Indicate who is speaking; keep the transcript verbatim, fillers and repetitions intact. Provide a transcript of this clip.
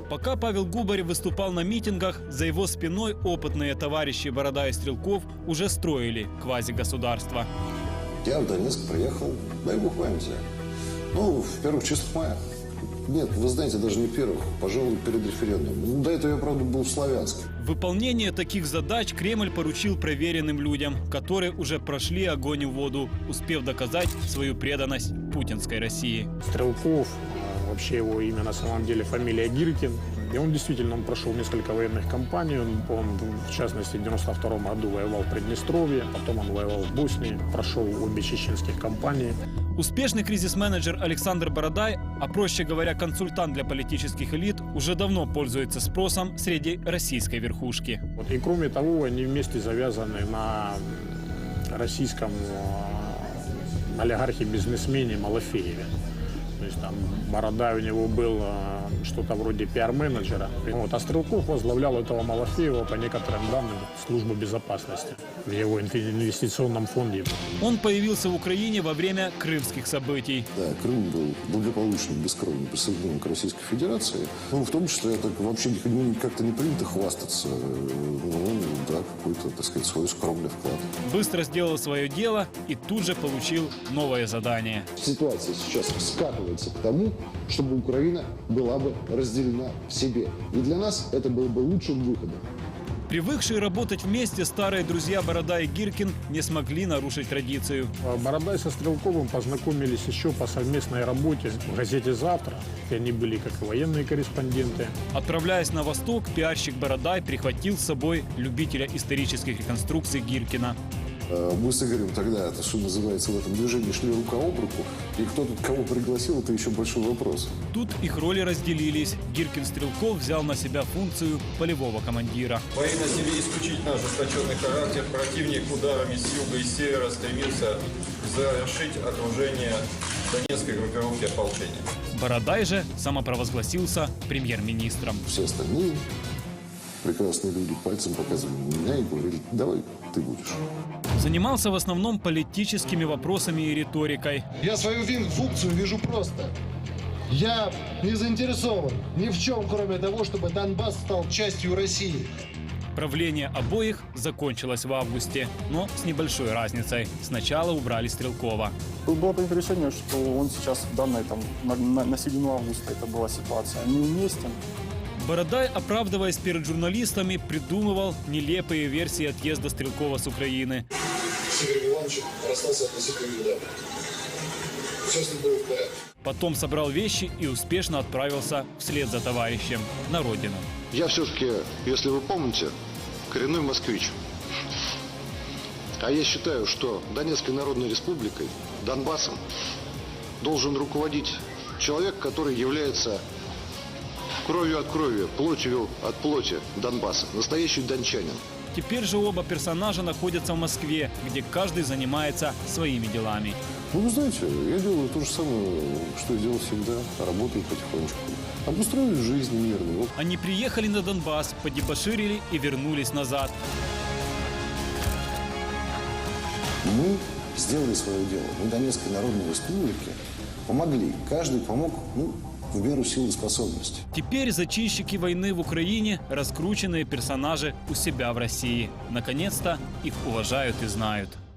Speaker 1: Пока Павел Губарев выступал на митингах, за его спиной опытные товарищи Борода и Стрелков уже строили квазигосударство.
Speaker 2: Я в Донецк приехал, дай бог памяти, ну, в первых числах мая. Нет, вы знаете, даже не первых, пожалуй, перед референдумом. До этого я, правда, был в Славянске.
Speaker 1: Выполнение таких задач Кремль поручил проверенным людям, которые уже прошли огонь и воду, успев доказать свою преданность путинской России.
Speaker 3: Стрелков, вообще его имя на самом деле фамилия Гиркин. И он действительно он прошел несколько военных кампаний. Он, он, в частности, в девяносто втором году воевал в Приднестровье, потом он воевал в Боснии, прошел обе чеченских кампании.
Speaker 1: Успешный кризис-менеджер Александр Бородай, а проще говоря, консультант для политических элит, уже давно пользуется спросом среди российской верхушки.
Speaker 3: Вот, и кроме того, они вместе завязаны на российском э, олигархе-бизнесмене Малафееве. То есть там Бородай у него был э, что-то вроде пиар-менеджера. Вот, а Стрелков возглавлял этого Малафеева по некоторым данным службы безопасности в его инвестиционном фонде.
Speaker 1: Он появился в Украине во время крымских событий.
Speaker 2: Да, Крым был благополучно, бескровно присоединен к Российской Федерации. Ну, в том числе, это вообще ну, как-то не принято хвастаться. Ну, да, какой-то, так сказать, свой скромный вклад.
Speaker 1: Быстро сделал свое дело и тут же получил новое задание.
Speaker 2: Ситуация сейчас скатывается к тому, чтобы Украина была бы разделена в себе. И для нас это было бы лучшим выходом.
Speaker 1: Привыкшие работать вместе старые друзья Борода и Гиркин не смогли нарушить традицию.
Speaker 3: Бородай со Стрелковым познакомились еще по совместной работе в газете «Завтра», где они были как и военные корреспонденты.
Speaker 1: Отправляясь на восток, пиарщик Бородай прихватил с собой любителя исторических реконструкций Гиркина.
Speaker 2: Мы с Игорем тогда, это что называется, в этом движении шли рука об руку. И кто тут кого пригласил, это еще большой вопрос.
Speaker 1: Тут их роли разделились. Гиркин-Стрелков взял на себя функцию полевого командира.
Speaker 4: Бои носили исключительно ожесточенный характер. Противник ударами с юга и севера стремился завершить окружение донецкой группировки ополчения.
Speaker 1: Бородай же самопровозгласился премьер-министром.
Speaker 2: Все остальные прекрасные люди пальцем показывали на меня и говорили, давай ты будешь.
Speaker 1: Занимался в основном политическими вопросами и риторикой.
Speaker 5: Я свою функцию вижу просто. Я не заинтересован ни в чем, кроме того, чтобы Донбасс стал частью России.
Speaker 1: Правление обоих закончилось в августе, но с небольшой разницей. Сначала убрали Стрелкова.
Speaker 6: Было принято решение, что он сейчас в данной, там, на, на, на середину августа это была ситуация, неуместен.
Speaker 1: Бородай, оправдываясь перед журналистами, придумывал нелепые версии отъезда Стрелкова с Украины.
Speaker 2: С Игорем Ивановичем расстался относительно недавно. Все с ним было в порядке.
Speaker 1: Потом собрал вещи и успешно отправился вслед за товарищем на родину.
Speaker 2: Я все-таки, если вы помните, коренной москвич. А я считаю, что Донецкой Народной Республикой, Донбассом, должен руководить человек, который является кровью от крови, плотью от плоти Донбасса. Настоящий дончанин.
Speaker 1: Теперь же оба персонажа находятся в Москве, где каждый занимается своими делами.
Speaker 2: Ну, вы знаете, я делаю то же самое, что я делал всегда. Работаю потихонечку. Обустроили жизнь мирную.
Speaker 1: Они приехали на Донбасс, подебоширили и вернулись назад.
Speaker 2: Мы сделали свое дело. Мы Донецкой Народной Республике помогли. Каждый помог, ну, в меру сил и способностей.
Speaker 1: Теперь зачинщики войны в Украине – раскрученные персонажи у себя в России. Наконец-то их уважают и знают.